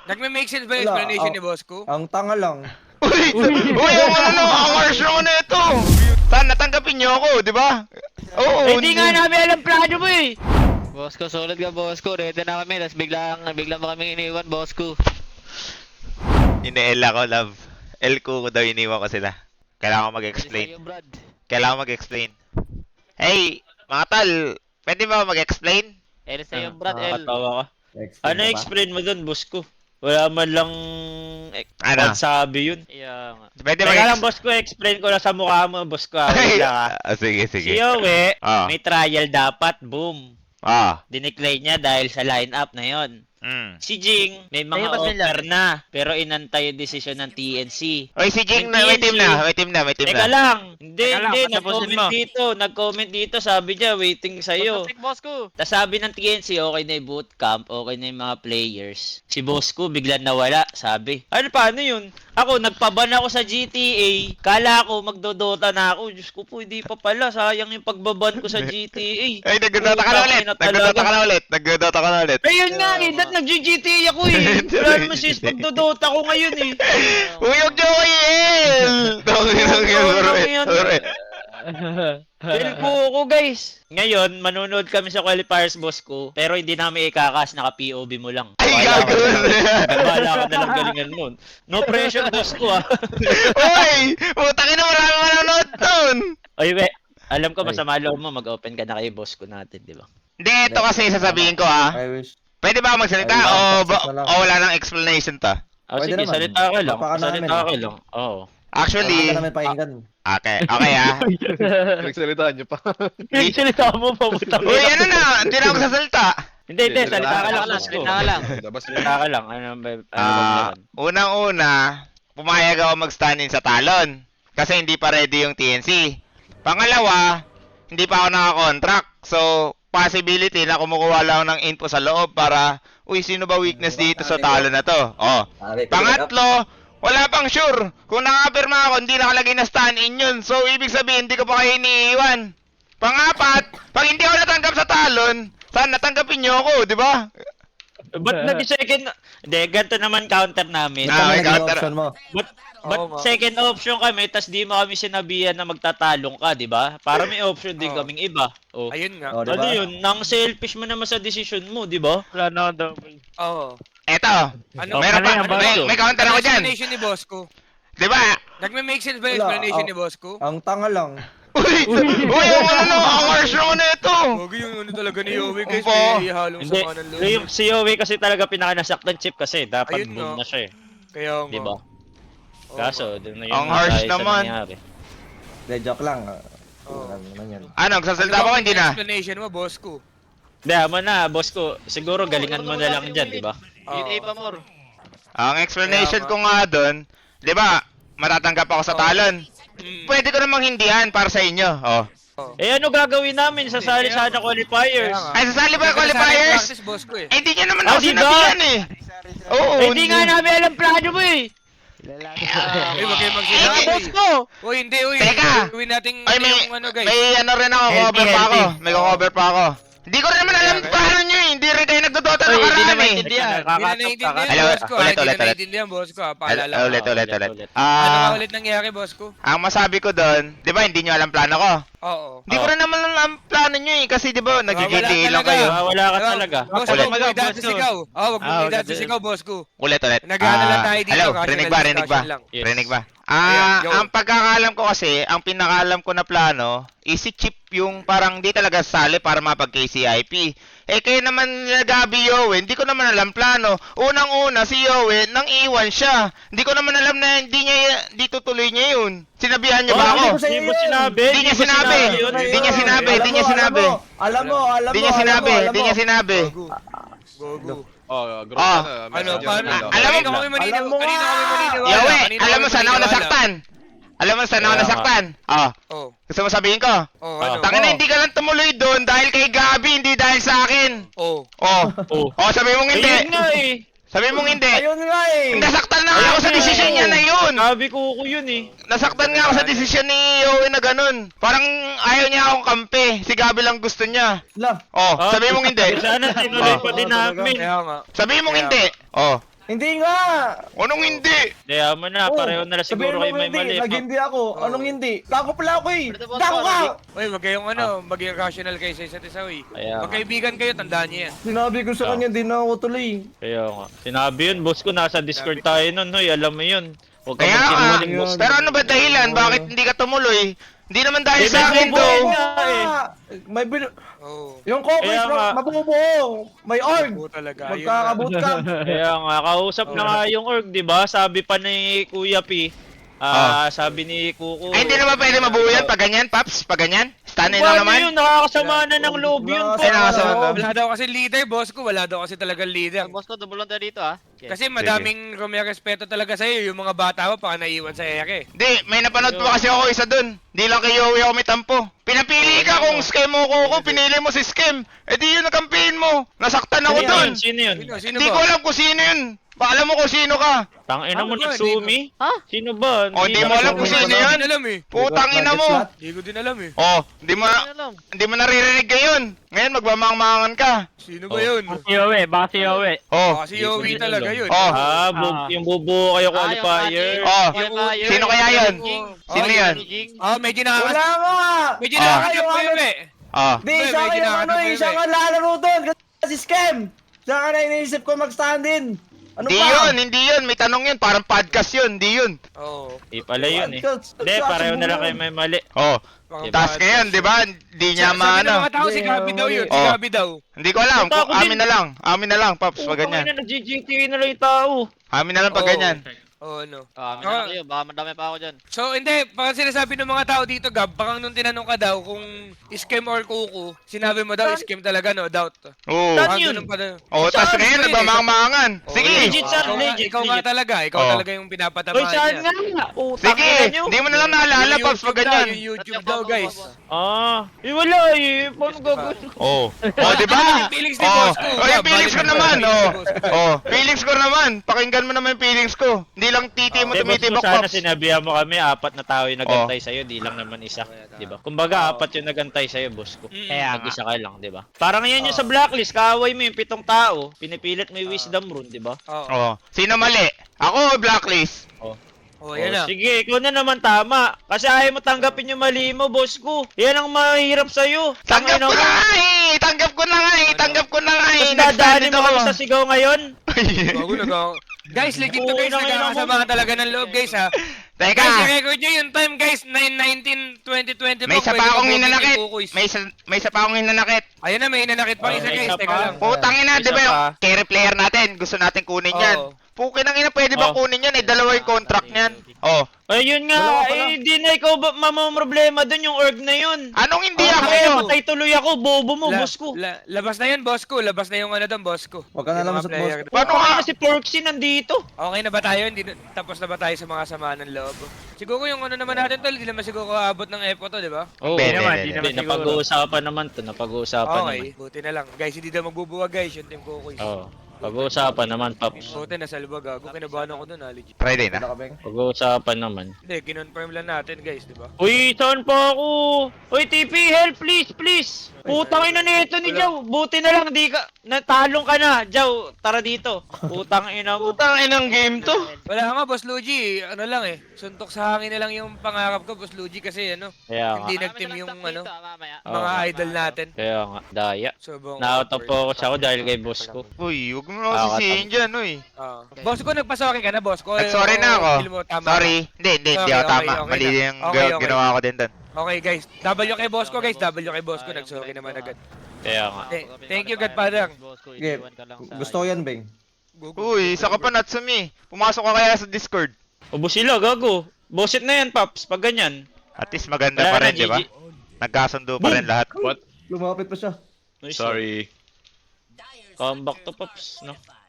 Nagme-make sense ba yung Wala, explanation ni boss ko? Ang tanga lang. Uy, ang harsh naman na ito. Saan natanggapin niyo ako, di ba? Oo, Hindi nga namin alam plano mo eh. Boss ko, solid ka boss ko. Ready na kami. Tapos biglang mo kami iniwan, boss ko. Ine-L ako, love. L ko daw iniwan ko sila. Kailangan ko mag-explain. Sa'yo, Brad. Kailangan ko mag-explain. Hey, mga tal, pwede ba ako mag-explain? L sa'yo, Brad. L. Nakakatawa ka. Explain Ano ka ba? explain mo dun, boss ko? Wala man lang Ano? sabi yun. Yeah nga. Pwede Teka lang, mag-explain? boss ko, explain ko lang sa mukha mo, boss ko. Wait lang ah. Sige, Si sige. Yowie, Ah. may trial dapat, boom. Ah, Dineclare niya dahil sa lineup na yon. Si Jing, may mga Ayun, ba't may offer na, pero inantay yung desisyon ng TNC. Oy, si Jing, Yung may team TNC. na, may team na, may team Teka na. lang, hindi, Teka lang, patapusin mo. nag-comment dito, sabi niya, waiting sa'yo. Boss ko. Tapos sabi ng TNC, okay na yung bootcamp, okay na yung mga players. Si boss ko, biglang nawala, sabi. Ano, paano yun? Ako, nagpaban ako sa GTA, kala ko, magdodota na ako. Diyos ko po, hindi pa pala, sayang yung pagbaban ko sa GTA. Ay, nagdodota ka na ulit, nagdodota ka na ulit, nagdodota ka na ulit. Ayun nga eh, nag-GTA ako eh. Wala naman sis, pagdodota ko ngayon eh. Uy, huwag niyo ko i-L! Sorry. Feel po ako guys. Ngayon, manonood kami sa qualifiers boss ko, pero hindi namin ikakas, naka-POV mo lang. Ay, Bahala ka gagawin na na lang. yan. Bahala ka na lang galingan nun. No pressure boss ko ah. Uy! Putangin na marami manonood nun! Oy, we, alam ko masama loob mo, mag-open ka na kay boss ko natin, di ba? Hindi, ito kasi sasabihin ko ha. I wish. Pwede ba ako magsalita Ay, o wala nang explanation ta? Ah, Pwede sige, naman. salita ka lang. Baka namin. Salita ka lang. Oo. Actually, Wala namin pakinggan. okay ha. Nagsalitaan niyo pa. Salita mo pa putang. Uy, ano na, hindi na ako sasalita. Hindi, salita ka lang, boss ko. Salita ka lang. Labas Salita ka lang. Ano ba? Unang-una, pumayag ako mag-stand-in sa talon. Kasi hindi pa ready yung TNC. Pangalawa, hindi pa ako naka-contract. So, possibility na kumukuha lang ng info sa loob para, uy, sino ba weakness dito sa talon na to? Oh. Pangatlo, wala pang sure. Kung nakapirma ako, hindi nakalagay na stand-in yun. So, ibig sabihin, hindi ko pa kayo iniiwan. Pangapat, pag hindi ako natanggap sa talon, saan natanggapin niyo ako, di ba? Ba't nag-second? Hindi, ganito naman counter namin. Ah, Ano may naging counter. option mo? But second option kami, tas di mo kami sinabihan na magtatalong ka, di ba? Para may option din Oo. kaming iba. Oh. Ayun nga. Oh, Ano diba? yun? Nang selfish mo naman sa decision mo, di ba? Wala na double. Oo. Eto, Ano meron pa, ano yan, may counter ako dyan. explanation ni boss ko? Di ba? Nagme-make sense ba yung Wala, explanation oh. ni boss ko? Ang tanga lang. Uy, ang harsh naman na ito. Huwag yung ano talaga ni Yowie guys, Opo. may halong Hindi, sama ng loob. yung si Yowie kasi talaga pinakanasaktan chip kasi dapat Ayun boom nga. na siya eh. Kaya nga. Di ba? Oo Kaso, dun na yun Ang na harsh tayo sa naman. nangyari. De, joke lang. Oo. Ano naman yan. Ano, nga. magsasalita ba ko? Hindi na. Explanation mo, boss ko. Hindi, mo na, boss ko. Siguro galingan mo na lang dyan, di ba? Oo. Yun, pa more. Ang explanation Kaya ko nga doon, di ba, matatanggap ako sa talon. Mm. Pwede ko namang hindihan para sa inyo. Oh. Eh ano gagawin namin? Sasali Kaya sana qualifiers. Kaya nga. Ay, sasali ba Nagkasali qualifiers? practice, boss ko eh. Eh, hindi niya naman Ah, ako di ba? sinabihan eh. Oo. Eh, hindi nga namin alam plano mo eh. Uy, wag kayo Ah, magsinabi. boss ko! Uy, hindi, uy. Teka. Gawin natin Ay, may, yung ano, guys. may ano rin ako, Healthy, cover pa ako. healthy. May cover pa ako. Hindi ko rin naman alam Kaya- paano nyo eh. Hindi rin kayo nagdodota Uy, ng hindi karaan na eh. maintindihan. Hindi na naiintindihan, Hello, boss ko. ulit, Hindi na ulit. naiintindihan, boss ko. Paalala ko. Ulit. Ulit. Ano Ah, nga ulit nangyari, boss ko? ang masabi ko doon, di ba hindi nyo alam plano ko? Oo. Hindi ko rin naman alam plano nyo eh. Kasi di ba, nag-GTA lang talaga. kayo. Wala ka talaga. Boss Ulit. ko, wag mo idati sigaw. Oo, wag mo Ah, idati ulit. sigaw, boss ko. Ulit. Nag-ano lang tayo dito, Hello, casual rinig ba? discussion lang. Yes. Rinig ba? Ayan, go. Ang pagkakaalam ko kasi, ang pinakaalam ko na plano, is si Chip yung parang di talaga sali para mapag-KCIP. Eh kayo naman nagabi Yowie, hindi ko naman alam plano. Unang-una si Yowie, nang iwan siya. Hindi ko naman alam na di tutuloy niya yun. Sinabihan niyo ba Oh, ako? Hindi ko sa'yo Hindi mo yun. sinabi. Hindi niya sinabi. yun. Hindi niya sinabi. Hindi niya sinabi. Alam mo. Hindi niya sinabi. Hindi niya sinabi. Go. Oh, group Ah. na. Ano, Medyo paano? ano. Alam mo- Kanina kami maniniwala. Alam mo Kanina nga. kami maniniwala. Yowie, Kanina alam mo kami saan ako maniniwala. nasaktan? Alam mo saan ako Kaya nga. nasaktan? Oh, Oh, gusto mo sabihin ko? ano? Tangin na hindi ka lang tumuloy doon dahil kay Gabi, hindi dahil sa akin. Oh. Oh. Oh. Oh, sabi mong hindi. Ayun nga eh. Sabi mong hindi. Ayun nga eh. Nasaktan na nga ako sa Ayun desisyon nga niya eh. na yun. Sabi ko yun eh. Nasaktan nga ako sa desisyon ni Yowie na ganun. Parang ayaw niya akong kampi. Si Gabi lang gusto niya. La. Oh, sabi mong hindi. Sana tinuloy pa din namin. Kaya nga. Sabi mong hindi. Oh. Hindi nga! Anong hindi? Kaya mo na, Oh, pareho na lang siguro sabihin mo kayo may hindi, mali. nag-hindi ako. Anong hindi? Gago pala ako eh! Pero boss, Gago ka! Uy, wag kayong maging rational kayo sa isa't isa, uy. Kaya nga. Magkaibigan kayo, tandaan niyo yan. Sinabi ko sa kanya, di na ako tuloy. Kaya nga. Sinabi yun, boss ko, nasa Discord tayo nun, hoy, alam mo yun. Huwag ka Kaya nga. magsinungaling, boss. Pero ano ba dahilan? Bakit hindi ka tumuloy? Hindi naman dahil Eh, sa akin may to. bubuo nga eh. May Oo. Yung Kokoy, Kaya nga. mabubuo. May org. Oo talaga. Ayun Magkakabootcamp. Kaya nga, kausap na nga yung org, di ba? Sabi pa ni Kuya P, sabi ni Kuko. Ay, hindi naman pwede mabuo yan pag ganyan, Paps? Pag ganyan? Stanley na Paano naman? yun? Nakakasama na ng loob yun, Ay, nakasama po. na. Wala daw kasi leader, boss ko. Wala daw kasi talagang leader. Boss ko, double lang tayo dito ah. Kasi madaming respeto talaga sa'yo. Yung mga bata mo, baka naiwan sa ere. Hindi, may napanood pa kasi ako isa dun. Hindi lang kay Yowie ako may tampo. Pinapili ka kung scam mo ko, pinili mo si scam. Eh di yun nakampihin mo. Nasaktan ako Sino dun. yun? Sino yun? Sino Hindi ko ba? alam kung sino yun. Baka alam mo kung sino ka. Tangina mo, Ano ba? Natsumi? Ha? Sino ba? Oh, di mo alam kung sino Hindi ko yun. din alam eh. Putang ina mo. Hindi ko din alam eh. Oh, hindi mo naririnig ngayon. Ngayon magmamangmangan ka. Sino ba yun? Si Yowie, baka si Yowie. Oh. Kasi Yowie talaga yun. Oh. Yung bubuo kayo qualifier. Oh. Sino kaya yun? Sino Oh, yun? Oh, medyo Wala nakakasama. nga! Medyo Ah. nakakasama ko yun eh. Oh. Di, May siya kayo ginagawa ano eh, yun siya eh. nga lalaro doon. Kasi scam! Siya ka na iniisip ko mag-stand in. Ano Hindi ba? hindi yun. May tanong yun. Parang podcast yun. Hindi yun. Oo. Di pala yun eh. Podcast. Hindi, pareho na lang kayo may mali. Oh. Mga Task bata. ngayon, di ba? Hindi niya Sabi ng maano. mga tao, si Gabi daw yun. Si Oh. Gabi daw. Hindi ko alam. Punta ako din. Amin na lang. Amin na lang, Paps. Pag ganyan. na, nag-GTA na lang yung tao. Amin na lang pag Oo. ganyan. Oo, ano. Ah, amin na kayo. Baka madami pa ako dyan. So, hindi. Baka sinasabi ng mga tao dito, Gab, baka nung tinanong ka daw kung scam or kuku, sinabi mo daw scam talaga, no? Doubt. Oo. Saan Ah, yun? ganun pa daw. Oh, tas Saan ngayon yun eh? nagmamangmangan. Oo, Sige. yun. Legit, sir, Ikaw nga- legit, Ikaw nga legit. talaga. Ikaw Oo. talaga yung Hoy, pinapatamaan saan niya. nga? Sige. nyo. Hindi mo na lang naalala, Yung Paps, pag YouTube daw, ganyan. Yung YouTube daw, guys. Wala eh. Paano gagawin? Oh. Oh, di ba? Yung feelings ni Oh. boss ko. Oh, yung Gab, feelings ko balik naman. yung Oh. feelings ni boss ko. Oh, feelings ko naman. Pakinggan mo naman yung feelings ko. Hindi lang titi mo Hindi, boss ko, tumitibok, sana Paps. sinabihan mo kami, 4 na tao yung nagantay sa'yo, di lang naman isa. Di ba? Kumbaga, 4 yung nagantay sa'yo, boss ko. Kaya nga. Mag-isa ka lang, di ba? Parang yan yung sa blacklist, kaaway mo yung 7 tao, pinipilit mo yung wisdom rune, di ba? Oo. Oh. Sino mali? Ako, blacklist. Oh, yan na. Sige, ikaw na naman tama. Kasi ayaw mo tanggapin yung mali mo, boss ko. Yan ang mahirap sa'yo. Tanggap ko Tangina mo. na nga eh! Tanggap ko na nga eh! Tanggap ko na nga eh! Tapos dadaanin mo ako. kami sa sigaw ngayon? Bago Guys, legit to Oo, guys. nangina mo. Nagkakasama talaga ng loob, guys, ha. Teka! Guys, i-record nyo yung time, guys. 9/19/2020 May isa Pwede pa akong mag-booking hinanakit. yung kukuis. May isa pa akong hinanakit. Ayun na, may hinanakit pa Oh, isa, may guys. isa Teka pa. lang. Putang ina, Isa di ba yung pa. carry player natin? Gusto natin kunin yan. Oo. Pukin ang ina, pwede ba Oh. kunin yan? Eh, dalawa yung contract niyan. Oh. Ayun nga, Wala ka pala. di na ikaw ba problema dun yung org na yun. Anong hindi Oh, ako? Kaya matay tuloy ako, bobo mo, boss ko. Labas na yan, boss ko. Labas na yung ano doon, boss ko. Huwag ka na Yung lang mga sa player. boss. Paano Paano nga? na si Porksy nandito? Okay na ba tayo? Tapos na ba tayo sa mga samaan ng loob? Siguro yung ano naman natin, tol, hindi naman siguro aabot ng EPO to, di ba? Oo, Hindi naman, hindi, di Hindi, naman siguro. napag-uusapan naman to, napag-uusapan Okay, naman. buti na lang. Guys, hindi daw magbubuwag, guys, yung team Kukuy. Oo, pag-uusapan naman, Paps. Buti na sa lubag, gago. Kinabahan ako doon, legit. Friday na. Wala ka, Beng. Pag-uusapan naman. Hindi, kinonfirm lang natin, guys, di ba? Uy, saan pa ako? Uy, TP, help, please, please! Putang ina nito ni Jow. Buti na lang, di ka, natalong ka na. Jow, tara dito. Putang ina mo. Putang inang game to. Wala nga, Boss Luigi. Ano lang eh. Suntok sa hangin na lang yung pangarap ko, Boss Luigi, kasi ano, Kaya nga. hindi nag-team yung ano, Oo. mga idol natin. Kaya nga, daya. Sobrang Na-out of focus ako dahil kay boss ko. Uy, huwag mo ako sisihin dyan, uy. Boss ko, nagpasorry ka na, boss ko. Nag-sorry na ako. Feel mo, tama Sorry. Hindi Okay, ako tama. okay, okay Mali na. yung Okay, okay. ginawa ko din doon. ka. Okay, guys. W kay boss ko, guys. W kay boss ko. Nag-sorry naman agad. Kaya nga. Thank you, Godfather. Sige, gusto ko yan, Beng. Uy, isa ka pa, Natsumi. Pumasok ka kaya sa Discord. Ubo sila, gago. Bosit na yan, Paps, pag ganyan. At least maganda Wala pa na, rin, di ba? GG. Nagkasundo pa rin lahat. Lumapit pa siya. Sorry. Come back to Paps, no?